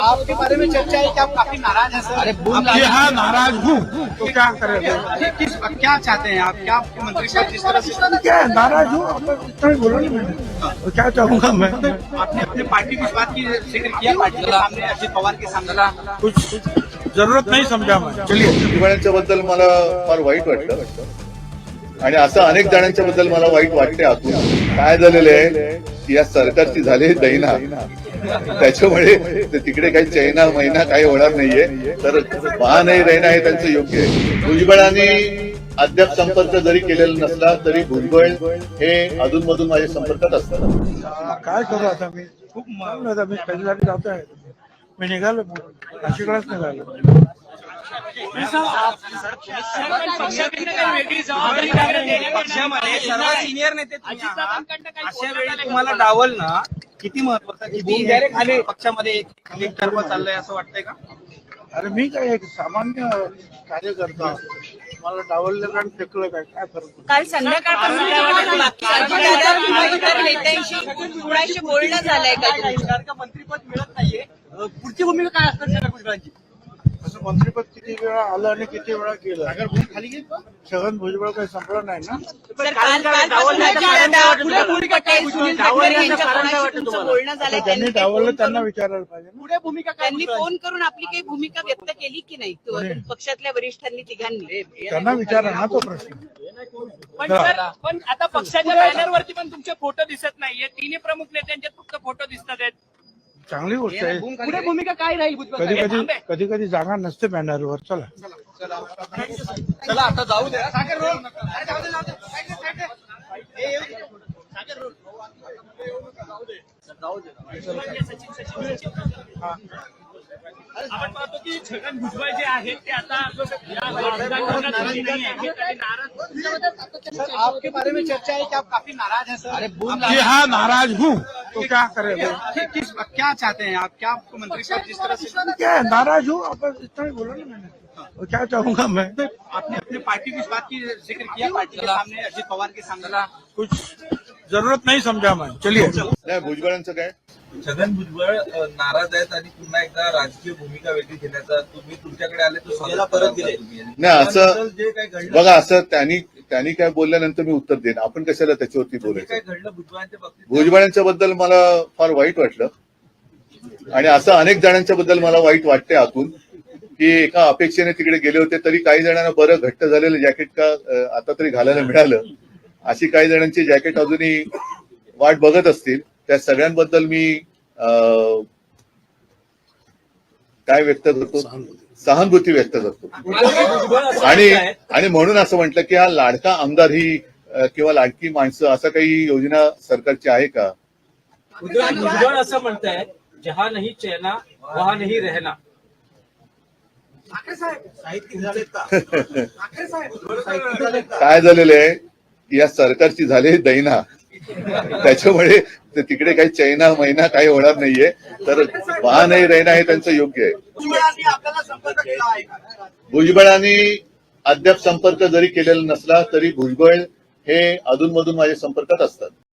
आपके बारे में चर्चा है कि आप काफी नाराज हैं सर। अरे जी हाँ, नाराज हूँ तो क्या करें? क्या चाहते हैं आप? क्या मंत्री साहब जिस तरह से क्या है, नाराज हूँ, अब इतना ही बोला ना मैंने, तो क्या चाहूंगा मैं? आपने अपने पार्टी की इस बात की जिक्र किया पार्टी के सामने, अजित पवार के सामने, कुछ जरूरत नाही समजा मैं. चलिए. भुजबळांच्या बद्दल मला फार वाईट वाटलं आणि असं अनेक जणांच्या बद्दल मला वाईट वाटते आतून. काय झालेलं आहे की या सरकारची झाली दैना, त्याच्यामुळे तिकडे काही चैना महिना काही होणार नाहीये. तर वाह नाही रहना हे त्यांचं योग्य आहे. भुजबळांनी अद्याप संपर्क जरी केलेला नसला तरी भुजबळ हे अधूनमधून माझ्या संपर्कात असतात. काय करू आता मी? खूप आता मी कधीसाठी जातो आहे. मी निघालो, नाशिकलाच निघालो. पक्षामध्ये सर्व सिनियर नेते अशा वेळी तुम्हाला डावलणं किती महत्वाचं, किती पक्षामध्ये एक टर्म चाललंय असं वाटतंय का? अरे मी काय एक सामान्य कार्यकर्ता, मला डावललं आणि फेकलं काय फरक? काल संध्याकाळपासून इतर नेत्यांशी कुणाशी बोलणं झालंय का? मंत्रीपद मिळत नाहीये, पुढची भूमिका काय असणार भुजबळांची? असं मंत्रिपद किती वेळा आलं आणि किती वेळा केलं? खाली घेत छगन भुजबळ काही संपलं नाही ना. बोलणं झालंय त्यांनी डावललं त्यांना विचारायला पाहिजे ना. पुढे भूमिका काय? त्यांनी फोन करून आपली काही भूमिका व्यक्त केली की नाही पक्षातल्या वरिष्ठांनी तिघांनी? त्यांना विचारा ना तो प्रश्न. पण आता पक्षाच्या बॅनरवरती पण तुमचे फोटो दिसत नाहीये. तिन्ही प्रमुख नेत्यांचे फक्त फोटो दिसत आहेत. चांगली गोष्ट आहे. पुढे भूमिका काय राहील? कधी कधी जागा नसते बॅनरवर. चला चला आता जाऊ द्या. सागर रोल. आपण पाहतो की छगन भुजबळ जे आहेत ते आता या राजकारणात नाही आहेत. आपके बारे में चर्चा है कि आप काफी नाराज हैं सर। जी हाँ, नाराज हूँ तो क्या करें? क्या चाहते हैं आप? क्या आपको मंत्री साहब जिस तरह से क्या है, नाराज हूँ, अब इतना ही बोला ना मैंने, तो क्या चाहूंगा मैं? आपने अपने पार्टी की इस बात की जिक्र किया पार्टी के सामने, अजित पवार के सामने, कुछ जरूरत नहीं समझा मैं. चलिए. नाही, भुजबळांचं काय? छगन भुजबळ नाराज आहेत आणि पुन्हा एकदा राजकीय भूमिका वेगळी घेण्याचा तुम्ही तुमच्याकडे आले तो स्वतः परत गेले. नाही, असं जे काय घडलं बघा, असं त्यांनी काय बोलल्यानंतर मी उत्तर देईन. आपण कशाला त्याच्यावरती जे बोलायचं? काय घडलं भुजबळांच्या बाबतीत भुजबळांच्या बद्दल मला फार वाईट वाटलं आणि असं अनेक जणांच्या बद्दल मला वाईट वाटते आतून की एका अपेक्षेने तिकडे गेले होते तरी काही जणांना बरं घट्ट झालेलं जॅकेट का आता तरी घालायला मिळालं, अशी काही जणांची जॅकेट अजूनही वाट बघत असतील. त्या सगळ्यांबद्दल मी काय व्यक्त करतो? सहानुभूती व्यक्त करतो. आणि म्हणून असं म्हटलं की हा लाडका आमदार ही किंवा लाडकी माणसं असं काही योजना सरकारची आहे का? भुजबळ असं म्हणताय, जहा नाही चैना वहा नाही रहना. काय झालेलं आहे की या सरकारची झाली दैना, त्याच्यामुळे तिकडे काही चैना महिना काही होणार नाहीये. तर वाह नाही रहना हे त्यांचं योग्य आहे. भुजबळांनी अद्याप संपर्क जरी केलेला नसला तरी भुजबळ हे अधूनमधून माझ्या संपर्कात असतात.